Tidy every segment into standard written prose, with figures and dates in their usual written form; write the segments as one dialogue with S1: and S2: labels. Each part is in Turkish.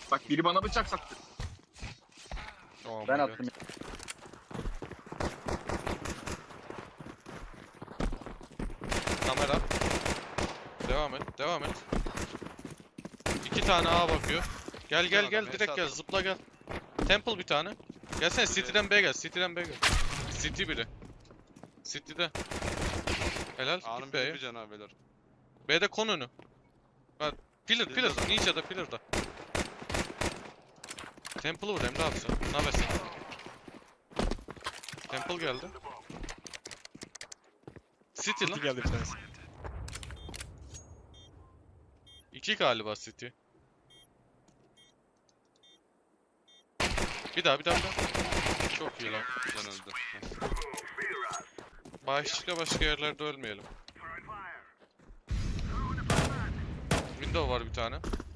S1: Bak biri bana bıçak saktı.
S2: Oh
S3: Ben
S2: my God.
S3: attım.
S2: Kamera. Devam et, devam et. 2 tane A bakıyor. Gel gel
S4: Adam,
S2: gel
S4: HS
S2: direkt gel,
S4: atarım.
S2: zıpla gel. Temple bir tane. Gelsene City'den B'ye gel, City'den B'ye gel. City biri. City'de. Helal,
S4: A'nın
S2: git
S4: biri
S2: B'ye.
S4: bir canı beyler.
S2: B'de kon önü. Bak, pillar,
S4: Pillar'da.
S2: pillar. Ninja'da, pillar'da. Temple'ı vur Emre abi sen. Ne habersin? Temple geldi. City lan.
S5: City geldi bir tanesi.
S2: 2 galiba City. Bir daha. Çok iyi lan.
S4: Can öldü.
S2: Başka yerlerde ölmeyelim. Window var bir tane.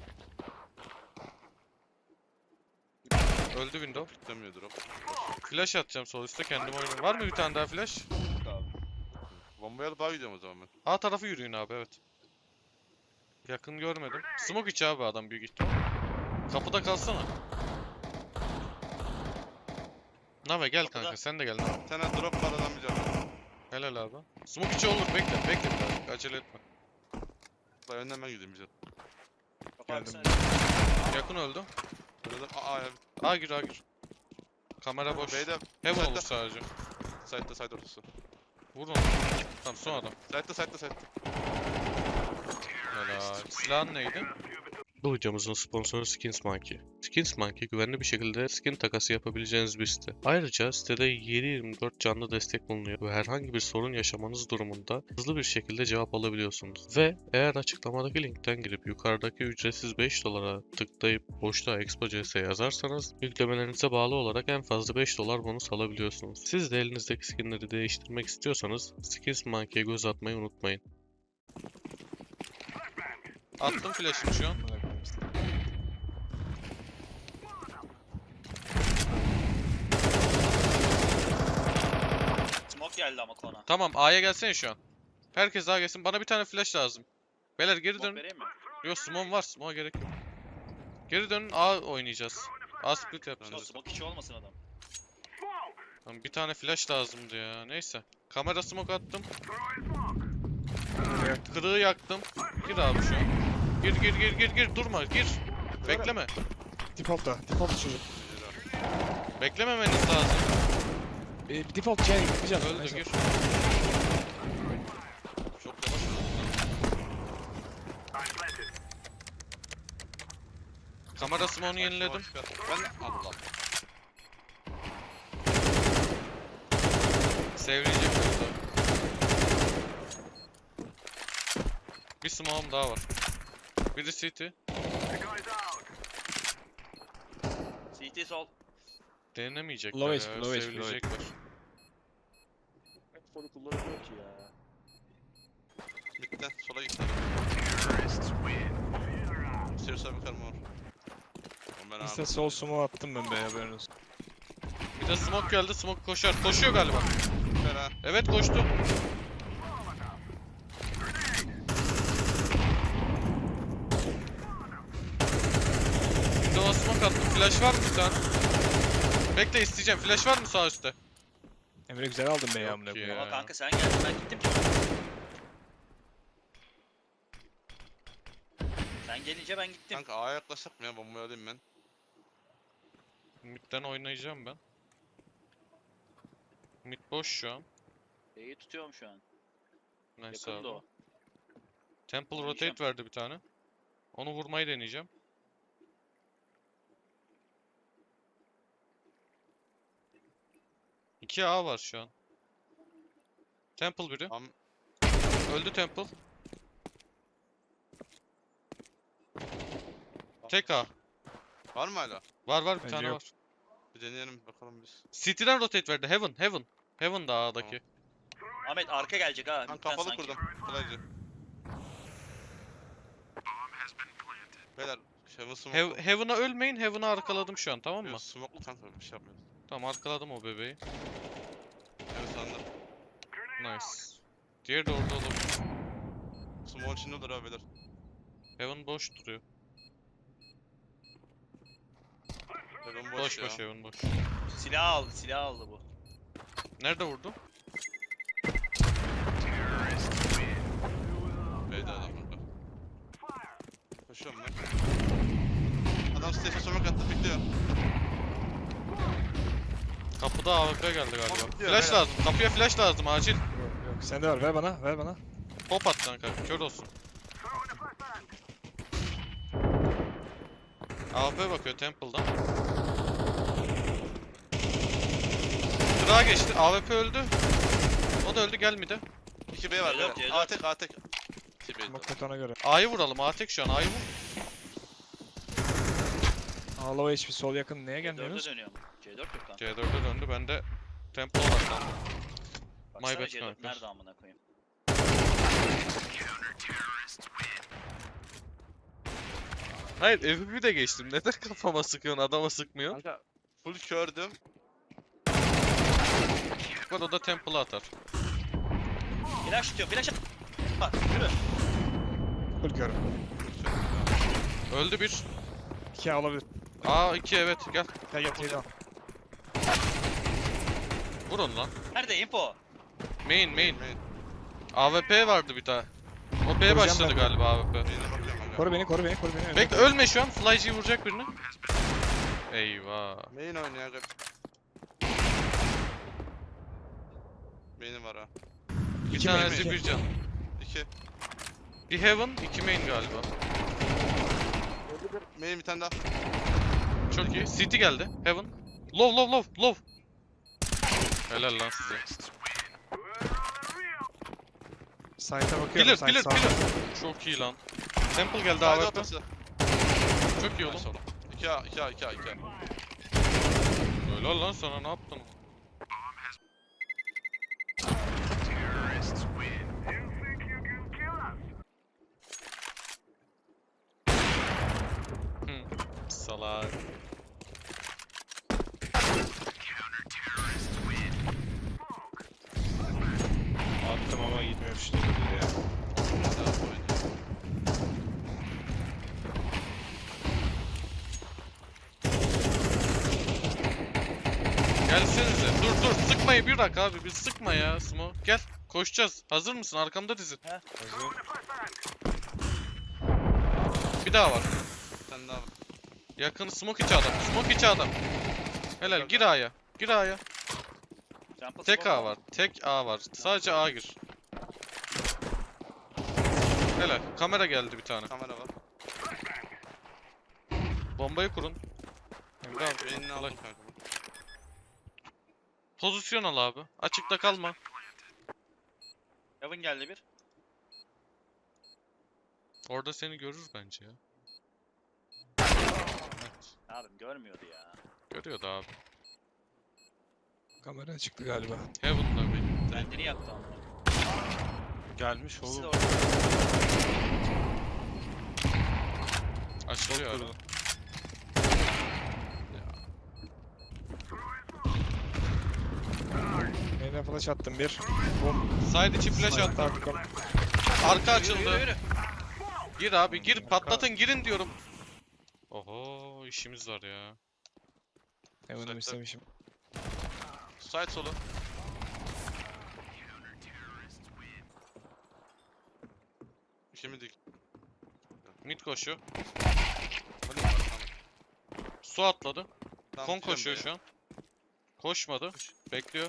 S2: Öldü window.
S4: Piklemiyor drop.
S2: Flash atacağım sol üstte kendim oynayayım. Var mı bir tane daha flash?
S4: Bombayı alıp daha gidiyorum o zaman ben.
S2: A tarafı yürüyün abi, evet. Yakın görmedim. Smoke içi abi adam büyük ihtimal. Kapıda kalsana. Nave gel
S6: Kapıda.
S2: kanka, sen de gel Nave.
S4: Bir tane drop var adam bir canı.
S2: Helal abi. Smoke içi olur, bekle biraz. Acele etme.
S4: Daha önden ben gideyim bir can.
S5: Geldim.
S2: Yakın öldü.
S4: Böyle de aa ya.
S2: A gir. Kamera boş.
S4: B'de
S2: Heaven
S4: side'da.
S2: olur sadece.
S4: Side ortası.
S2: Vur onu. Tamam son adam.
S4: Side'da.
S2: Helal. Silahın neydi? Bu videomuzun sponsoru Skins Monkey. Skins Monkey güvenli bir şekilde skin takası yapabileceğiniz bir site. Ayrıca sitede 7/24 canlı destek bulunuyor ve herhangi bir sorun yaşamanız durumunda hızlı bir şekilde cevap alabiliyorsunuz. Ve eğer açıklamadaki linkten girip yukarıdaki ücretsiz $5 tıklayıp boşluğa Expo CS yazarsanız yüklemelerinize bağlı olarak en fazla $5 bonus alabiliyorsunuz. Siz de elinizdeki skinleri değiştirmek istiyorsanız Skins Monkey'e göz atmayı unutmayın. Attım flash'ını şu an.
S6: Smoke geldi ama kona.
S2: Tamam A'ya gelsene şu an. Herkes A'ya gelsin. Bana bir tane flash lazım. Beyler geri
S6: Smoke
S2: dönün.
S6: vereyim mi?
S2: Yok smoke var. Smoke'a gerek yok. Geri dönün A oynayacağız. A split
S6: Yok
S2: yapacağız.
S6: smoke içi olmasın adam.
S2: Tamam, bir tane flash lazımdı ya. Neyse. Kamera smoke attım. Kırığı yaktım. Gir abi şu an. Gir. Durma gir. Bekleme.
S5: Default'ta. Default çocuk.
S2: Beklememeniz lazım.
S5: Default şey bir can.
S2: Öldü
S5: Neyse.
S2: gir. Çok yavaş öldü. Kamera smoke'unu yeniledim.
S4: Ben Allah.
S2: Sevilecek yoksa. Bir smoke'um daha var. Biri CT.
S6: CT sol.
S2: Denemeyecekler
S5: Low
S2: ya.
S5: HP, low HP,
S2: Sevilecekler.
S6: Soru kullanılıyor ki ya.
S4: Midden sola gitti. Stairs abi karma var. Ben abi.
S5: İşte sol sumo attım ben be haberin olsun.
S2: Bir de smoke geldi. Smoke koşar. Koşuyor galiba.
S4: Fena.
S2: Evet koştu. Windows'a smoke attım. Flash var mı bir tane? Bekle isteyeceğim. Flash var mı sağ üstte?
S5: Emre güzel aldın be ya
S2: Yok
S5: amına
S2: ya.
S5: koyayım.
S6: Ama kanka sen geldin ben gittim ki. Sen gelince ben gittim.
S4: Kanka A'ya yaklaşsak mı ya? Bombayı alayım ben.
S2: Mid'den oynayacağım ben. Mid boş şu an.
S6: B'yi tutuyorum şu an.
S2: Neyse
S6: Yakında
S2: abi.
S6: o.
S2: Temple
S6: Oynayacağım.
S2: rotate verdi bir tane. Onu vurmayı deneyeceğim. İki A var şu an. Temple biri.
S4: Am
S2: Öldü Temple. Tek A.
S4: var mı hala?
S2: Var bir
S5: Bence
S2: tane
S5: yok.
S2: var.
S4: Bir deneyelim bakalım biz.
S2: City'den rotate verdi. Heaven. Heaven da A'daki.
S6: Ahmet arka gelecek ha.
S4: Ben
S6: midden
S4: kapalı
S6: sanki.
S4: kurdum. Kolayca. Beyler Heaven smoke.
S2: Heaven'a ölmeyin. Heaven'a arkaladım şu an, tamam mı?
S4: Smoke'lu kanka bir şey yapmıyoruz.
S2: Tamam, arkaladım o bebeği.
S4: Evet sandım.
S2: Nice. Diğeri de orada olabilir.
S4: Smoke'un içinde olur abi beyler.
S2: Heaven boş duruyor.
S4: Heaven
S2: Boş
S4: ya.
S2: boş Heaven boş.
S6: Silah aldı bu.
S2: Nerede vurdu?
S4: B'de adam burada. Koşuyorum ben. Adam stage'e smoke attı bekliyor.
S2: Kapıda AWP geldi galiba.
S4: Bekliyor,
S2: Flash
S4: beyler.
S2: lazım. Kapıya flash lazım acil.
S5: Yok yok. Sen de var. Ver bana. Ver bana.
S2: Pop at kanka. Kör olsun. AWP bakıyor Temple'dan. Kırağa geçti. AWP öldü. O da öldü gelmedi.
S4: 2B var.
S6: C4,
S4: beyler.
S6: C4.
S4: A-tek A-tek. 2B.
S5: Bak betona göre.
S2: A'yı vuralım. A tek şu an. A'yı vur.
S5: Ağlava hiçbir sol yakın neye
S6: C4'e
S5: gelmiyoruz?
S6: dönüyorum. C4 yok kanka.
S2: C4'e döndü. Ben de Temple odaklandım.
S6: Baksana
S2: bad
S6: C4
S2: kanka.
S6: nerede amına koyayım.
S2: Hayır FF'i de geçtim. Neden kafama sıkıyorsun adama sıkmıyor?
S4: Kanka full kördüm.
S2: Bak o da Temple'a atar.
S6: Flash tutuyor. Flash at. Bak yürü.
S5: Full körüm.
S2: Öldü bir.
S5: 2 alabilir.
S2: A2 evet gel.
S5: Gel gel teyze al.
S2: Vur onu lan.
S6: Nerede info?
S2: Main.
S4: Main.
S2: AWP vardı bir daha. O B
S5: Vuracağım
S2: başladı
S5: ben de.
S2: galiba AWP.
S4: Main'e bakıyorum kanka.
S5: Koru beni koru beni koru beni.
S2: Bekle ölme şu an. Fly'cı vuracak birini. Eyvah.
S4: Main oynuyor aga. Main'im var ha.
S2: Bir
S5: İki main,
S2: tanesi
S5: iki.
S2: bir can.
S4: 2.
S2: Bir Heaven, iki main galiba.
S4: Main bir tane daha.
S2: Çok iyi. City geldi. Heaven. Low. Helal lan size.
S5: Site'a bakıyorum.
S2: Pillar.
S5: Site sağ.
S2: Çok iyi lan. Temple geldi
S4: Side
S2: AWP.
S4: ortası.
S2: Çok iyi oğlum.
S4: 2A 2A 2A 2A.
S2: Helal lan sana ne yaptın? Salak.
S5: Attım ama gitmiyor işte böyle ya.
S2: Gelsenize. Dur sıkmayı bir dakika abi. Bir sıkma ya Smo. Gel. Koşacağız. Hazır mısın? Arkamda dizin.
S5: Hazır.
S2: Bir daha var.
S4: Bir tane daha var.
S2: Yakın smoke içi adam. Smoke içi adam. Helal gir A'ya. Gir A'ya.
S6: Temple
S2: Tek
S6: smoke
S2: A var. Tek A var. Sadece A gir. Helal. Kamera geldi bir tane.
S4: Kamera var.
S2: Bombayı kurun. Emre abi.
S4: Main'ini
S2: kolay.
S4: aldım kanka.
S2: Pozisyon al abi. Açıkta kalma.
S6: Heaven geldi bir.
S2: Orada seni görür bence ya. Evet.
S6: Abim görmüyordu ya.
S2: Görüyordu abi.
S5: Kamera çıktı galiba.
S2: Heaven'da bir.
S6: Kendini yaktı amına.
S5: Gelmiş
S6: İkisi de
S5: oğlum.
S6: orada.
S2: Açılıyor
S5: Durdu.
S2: adam.
S5: Main'e flash attım bir. Bom.
S2: Side içi flash
S5: Site'da
S2: attı.
S5: attım.
S2: Arka
S6: Yürü,
S2: açıldı.
S6: yürü.
S2: Gir abi gir. Patlatın girin diyorum. Oho işimiz var ya.
S5: Hemen'im
S4: Site'da.
S5: istemişim.
S4: Side solu. Kimi dik.
S2: Mid koşuyor.
S4: Hadi var, tamam.
S2: Su atladı.
S4: Tamam,
S2: Kon
S4: gidiyorum
S2: koşuyor
S4: B'ye.
S2: şu an. Koşmadı. Bekliyor.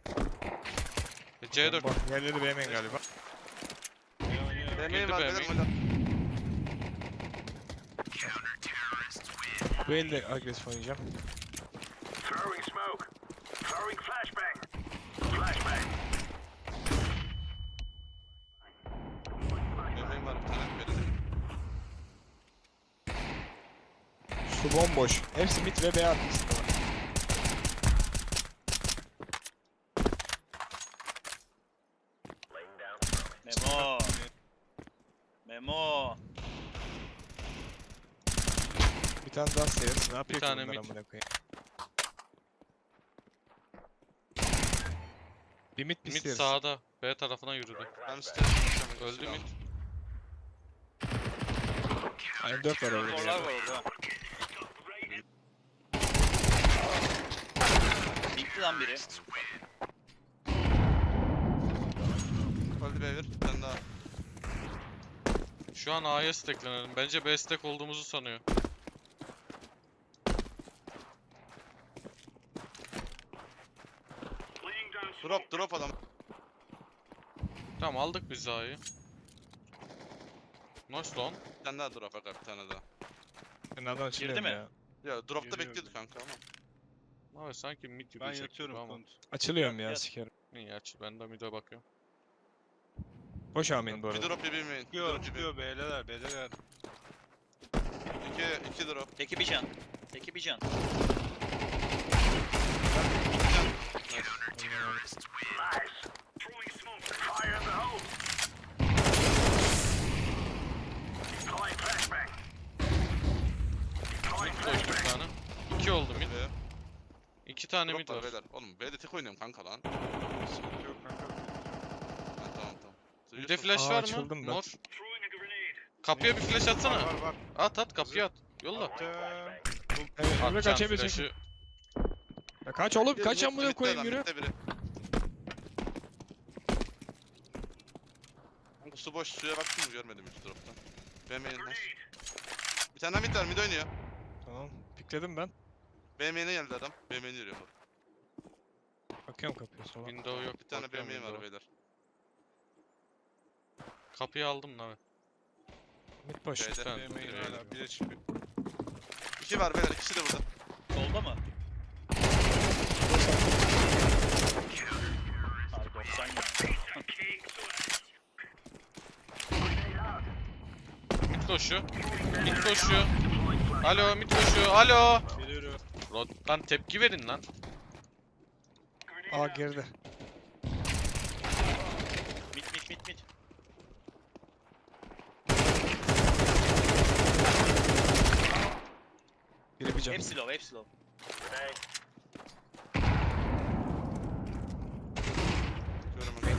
S2: C4.
S5: Bak yerleri beğenmeyin galiba.
S4: B main
S2: Girdi
S4: var
S2: B
S4: beyler
S2: main.
S4: hadi.
S5: Bu elde agresif oynayacağım.
S4: B main var bir tane. B'de.
S5: Su bomboş. Hepsi mid ve B arkasında var.
S6: Memo. Memo.
S5: Bir tane daha stairs. Ne yapıyor ki
S2: tane
S5: bunlar
S2: mid.
S5: amına koyayım? Bir mid bir
S2: Mid
S5: stairs.
S2: sağda. B tarafına yürüdü.
S4: Ben stairs konuşacağım.
S2: Öldü mid.
S5: Aynı 4 var orada.
S6: Morlar var orada. Gitti lan biri.
S4: Öldü B1. Bir tane daha.
S2: Şu an A'ya stacklenelim. Bence B stack olduğumuzu sanıyor.
S4: Drop adam.
S2: Tamam aldık biz A'yı. Nice lan.
S4: Bir tane daha drop aga, bir tane daha.
S5: Ben nereden açılıyorum
S6: mi?
S5: ya?
S4: Ya dropta
S1: Geliyor
S4: bekliyordu kanka ama.
S2: Abi sanki mid
S1: Ben
S2: yürüyecek
S1: yatıyorum
S2: gibi ama.
S1: kont.
S5: Açılıyorum ya
S6: Yat.
S5: sikerim.
S2: İyi aç. Ben de mid'e bakıyorum.
S5: Boş amin bu
S4: Bir
S5: arada.
S4: drop bir main.
S1: Çıkıyor çıkıyor beyler beyler.
S4: İki drop.
S6: Teki bir can. Teki bir can.
S2: Mid koştu bir tane. 2 oldu mid.
S4: B.
S2: 2 tane mid
S4: Drop var
S2: var.
S4: beyler. Oğlum B'de tek oynuyorum kanka lan.
S1: Sıkıntı yok kanka.
S4: Ha, tamam.
S2: Mid'e flash
S5: Aa,
S2: var mı?
S5: açıldım ben.
S2: Mor. Kapıya bir flash atsana.
S1: Var.
S2: At kapıya at. Yolla.
S5: Evet, Emre
S2: Atacağım
S5: kaçabilecek.
S2: flash'ı.
S5: Ya kaç oğlum kaç amına koyayım yürü.
S4: Mid'de biri. Kanka su boş, suya baktım mı görmedim hiç droptan. B main'den. Bir tane daha mid var, mid oynuyor.
S5: Tamam pikledim ben.
S4: B main'e geldi adam. B main'e yürüyor bu.
S5: Bakıyorum kapıya sola.
S2: Window yok.
S4: Bir tane B
S2: bakıyorum
S4: main var
S2: window'a.
S4: beyler.
S2: Kapıyı aldım lan.
S5: Mid boş.
S4: B'de.
S2: Tamam.
S1: Yemeğin hala bire çıkıyor.
S4: İki var beyler, ikisi de burada.
S6: Solda mı? Abi 90 ya.
S2: Mid koşuyor. Mid koşuyor. Alo mid koşuyor. Alo.
S1: Geliyorum.
S2: Lan tepki verin lan.
S5: Aa geride.
S6: Mid.
S5: Biri bir can.
S6: Hepsi low.
S4: Görüyorum ben.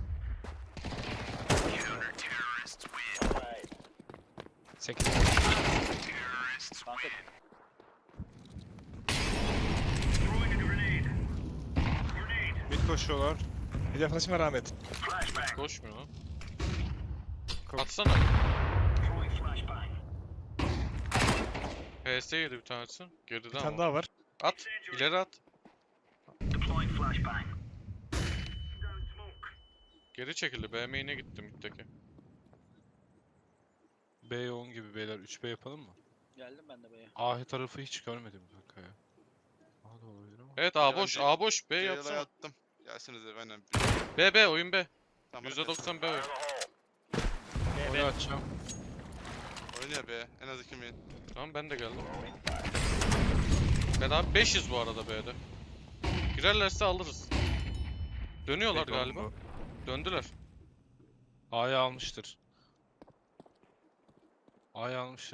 S5: Sekiz.
S6: Kanka
S1: Mid koşuyorlar.
S5: Bir de flash'ıma rahmet.
S2: Koşmuyor lan.
S5: Ko-
S2: Atsana. PS yedi bir tanesi. Geride
S5: Bir tane
S2: ama.
S5: daha var.
S2: At. İleri at. Geri çekildi. B main'e gitti middeki.
S1: B yoğun gibi beyler. 3B yapalım mı?
S6: geldim ben de B'ye.
S1: A tarafı hiç görmedim kanka ya. A da olabilir ama.
S2: Evet A boş. A boş. B
S4: C'ye
S2: yapsana.
S4: attım. Gelsiniz de benden.
S2: B oyun B.
S4: Tamam,
S2: %90 B oyun.
S1: Onu açacağım.
S4: oynuyor be. En az 2 main.
S2: Tamam ben de geldim. Ben abi 500 bu arada B'de. Girerlerse alırız. Dönüyorlar
S1: Bekle oğlum
S2: galiba.
S1: bu.
S2: Döndüler.
S1: A'yı almıştır. A'yı almıştır.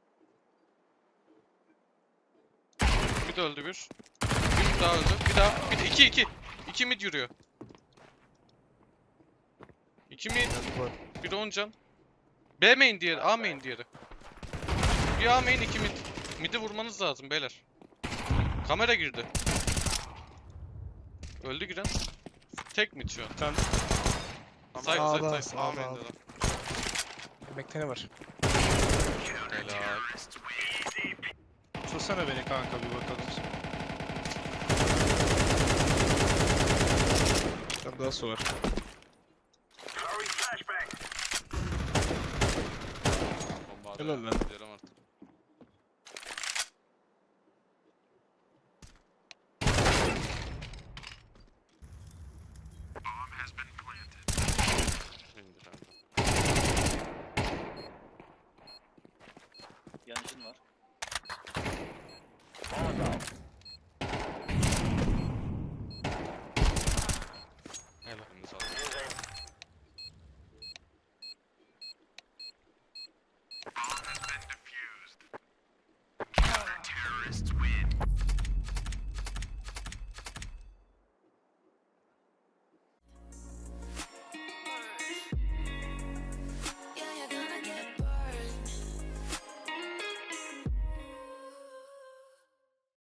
S2: Mid öldü bir. Bir daha öldü. Bir daha. Bir de 2. 2 mid yürüyor. 2 mid. Bir 10 can. B main diğeri. A main diğeri. Bir A main 2 mid. Mid'i vurmanız lazım beyler. Kamera girdi. Öldü giren. Tek mid şu an.
S1: Bir tane
S2: Side
S5: Sağda,
S2: side side.
S5: sağda.
S4: A main'de lan.
S5: Yemekte ne var?
S2: Helal.
S1: tutsana beni kanka bir bakalım.
S5: Bir tane daha su var.
S4: Bomba
S5: Helal
S4: atıyor.
S5: lan.
S4: Gidelim